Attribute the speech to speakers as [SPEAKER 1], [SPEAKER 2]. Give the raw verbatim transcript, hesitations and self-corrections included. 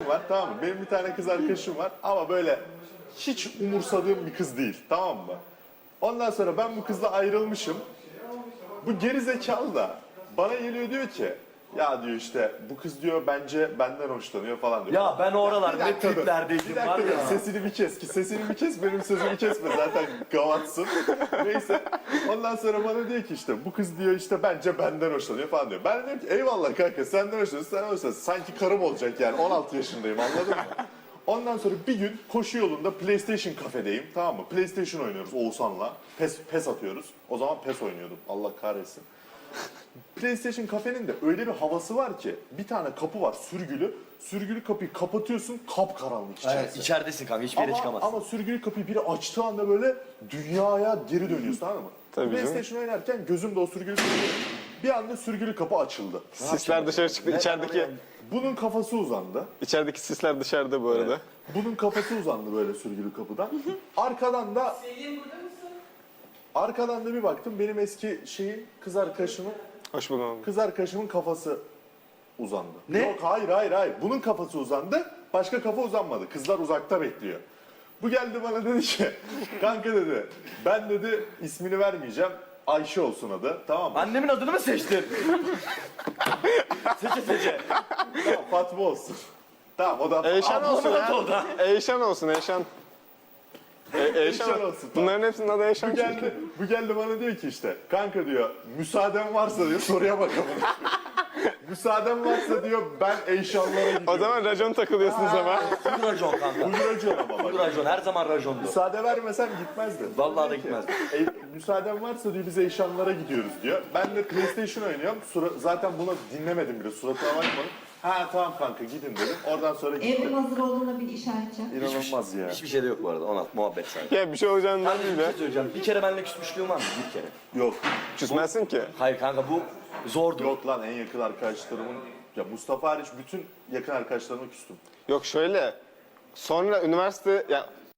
[SPEAKER 1] var, tamam mı? Benim bir tane kız arkadaşım var ama böyle hiç umursadığım bir kız değil, tamam mı? Ondan sonra ben bu kızla ayrılmışım. Bu geri zekalı da bana geliyor diyor ki ya diyor işte bu kız diyor bence benden hoşlanıyor falan diyor.
[SPEAKER 2] Ya ben oralar
[SPEAKER 1] Bir
[SPEAKER 2] ne
[SPEAKER 1] dakika dur,
[SPEAKER 2] triplerdeydim
[SPEAKER 1] bir
[SPEAKER 2] var
[SPEAKER 1] dakika dur,
[SPEAKER 2] ya.
[SPEAKER 1] sesini bir kes ki sesini bir kes benim sözümü kesme zaten gavatsın. Neyse ondan sonra bana diyor ki işte bu kız diyor işte bence benden hoşlanıyor falan diyor. Ben diyorum ki eyvallah kanka senden hoşlanıyorsun sen hoşlanıyorsun. Sanki karım olacak yani on altı yaşındayım anladın mı? Ondan sonra bir gün koşu yolunda PlayStation kafedeyim tamam mı? PlayStation oynuyoruz Oğuzhan'la. PES, PES atıyoruz. O zaman PES oynuyordum Allah kahretsin. PlayStation kafenin de öyle bir havası var ki bir tane kapı var sürgülü. Sürgülü kapıyı kapatıyorsun kapkaranlık içerisi.
[SPEAKER 2] Evet, içeridesin kanka hiçbir yere
[SPEAKER 1] Ama,
[SPEAKER 2] çıkamazsın.
[SPEAKER 1] ama sürgülü kapıyı biri açtığı anda böyle dünyaya geri dönüyorsun anladın mı?
[SPEAKER 3] Tabii canım.
[SPEAKER 1] PlayStation oynarken gözümde o sürgülü kapı. Bir anda sürgülü kapı açıldı.
[SPEAKER 3] Sisler dışarı çıktı. İçerideki
[SPEAKER 1] Bunun kafası uzandı.
[SPEAKER 3] içerideki sisler dışarıda bu arada.
[SPEAKER 1] Bunun kafası uzandı böyle sürgülü kapıdan. Arkadan da arkadan da bir baktım benim eski şeyin kız arkadaşımın
[SPEAKER 3] Hoş buldum.
[SPEAKER 1] kız arkadaşımın kafası uzandı.
[SPEAKER 2] Ne?
[SPEAKER 1] Yok hayır hayır hayır. Bunun kafası uzandı. Başka kafa uzanmadı. Kızlar uzakta bekliyor. Bu geldi bana dedi ki kanka dedi ben dedi ismini vermeyeceğim. Ayşe olsun adı. Tamam mı?
[SPEAKER 2] Annemin adını mı seçtin? seçe seçe.
[SPEAKER 1] Tamam, Fatma olsun. Tamam o da
[SPEAKER 3] Eyşan olsun
[SPEAKER 2] Ablamın adı
[SPEAKER 3] ya.
[SPEAKER 2] o da.
[SPEAKER 3] Eyşan olsun Eyşan. E, Eyşan,
[SPEAKER 1] Eyşan olsun, tamam.
[SPEAKER 3] Bunların hepsinin adı Eyşan
[SPEAKER 1] Bu geldi, bu geldi bana diyor ki işte kanka diyor müsaaden varsa diyor soruya bakalım. Müsaaden varsa diyor ben Eyşanlara gidiyorum.
[SPEAKER 3] O zaman racon takılıyorsunuz ama.
[SPEAKER 2] Full racon kanka.
[SPEAKER 1] Bugün önce ama
[SPEAKER 2] Full
[SPEAKER 1] bak.
[SPEAKER 2] racon her zaman racondu.
[SPEAKER 1] Müsaade vermesem gitmezdi.
[SPEAKER 2] Vallahi da
[SPEAKER 1] Diyor ki,
[SPEAKER 2] gitmezdi.
[SPEAKER 1] "E, müsaaden varsa diyor biz Eyşanlara gidiyoruz diyor. Ben de PlayStation oynuyorum. Sura- zaten bunu dinlemedim bile suratına bakmadım. Ha tamam kanka gidin dedim. Oradan sonra
[SPEAKER 4] Evrim
[SPEAKER 1] gittim.
[SPEAKER 4] hazır olduğuna bir işaret yap.
[SPEAKER 1] İnanılmaz ya.
[SPEAKER 2] Hiçbir şey de yok bu arada ona muhabbet sadece.
[SPEAKER 3] Ya bir şey olacağından
[SPEAKER 2] Kanka
[SPEAKER 3] değil
[SPEAKER 2] bir
[SPEAKER 3] de.
[SPEAKER 2] şey söyleyeceğim. Bir kere benimle küsmüşlüğün var mı? Bir kere.
[SPEAKER 1] Yok.
[SPEAKER 3] Küsmezsin ki.
[SPEAKER 2] Hayır kanka bu zordu.
[SPEAKER 1] Yok lan en yakın arkadaşlarımın ya Mustafa hariç bütün yakın arkadaşlarıma küstüm.
[SPEAKER 3] Yok şöyle. Sonra üniversite ya